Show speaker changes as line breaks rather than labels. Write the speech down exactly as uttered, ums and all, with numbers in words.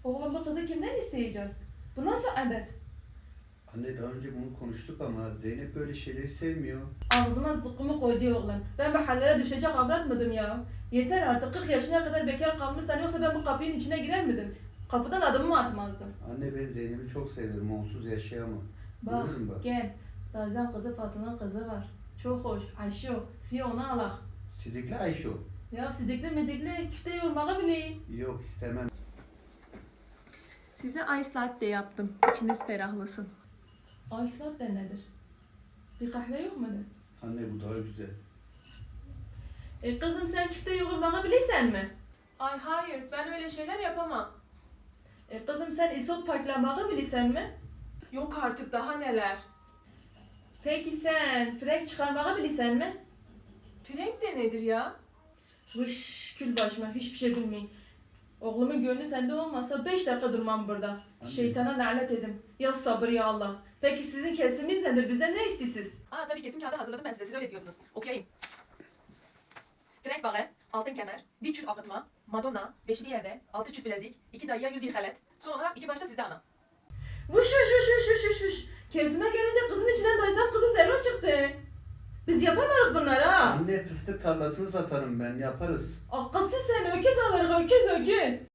Oğlum bu kızı kimden isteyeceğiz? Bu nasıl adet?
Anne daha önce bunu konuştuk ama Zeynep böyle şeyleri sevmiyor.
Ağzıma zıkkımı koydu oğlum. Ben bu hallere düşecek avrat mıydım ya? Yeter artık kırk yaşına kadar bekar kalmışsan yoksa ben bu kapının içine girer miydim? Kapıdan adımımı atmazdım.
Anne ben Zeynep'i çok seviyorum. Onsuz yaşayamam.
Bak,
Görürüm bak.
gel. Dazan kızı Fatma kızı var. Çok hoş. Ayşe o. Siye onu alak.
Sidikli Ayşe o.
Ya sidikli medikli küfte yormağı bile.
Yok istemem.
Size ice latte yaptım. İçiniz ferahlasın.
Ayşlat da nedir? Bir kahve yok mudur?
Anne bu daha güzel.
E kızım sen küfte yoğurmağı bilirsen mi?
Ay hayır, ben öyle şeyler yapamam.
E kızım sen isot paklamağı bilirsen mi?
Yok artık, daha neler.
Peki sen frek çıkarmağı bilirsen mi?
Frenk de nedir ya?
Vış kül başıma hiçbir şey bilmeyin. Oğlumun gönlü sende olmasa beş dakika durmam burada.
Anne.
Şeytana lanet edin. Ya sabır ya Allah. Peki sizin kesimiz nedir? Bizden ne istiyorsunuz?
Aa tabii kesim kağıdı hazırladım ben size, siz öyle diyordunuz. Okuyayım. Frenk bağı, altın kemer, bir çüt akıtma, Madonna, beşi bir yerde, altı çüt bilezik, iki dayıya yüz bir halet. Son olarak iki başta sizde ana.
Vış vış vış vış vış vış vış. Kesime gelince kızın içinden daysam kızın zerre çıktı. Biz yapamayız bunları ha.
Anne fıstık tarlasını satarım ben yaparız.
Akılsız sen öküz alır öküz öküz.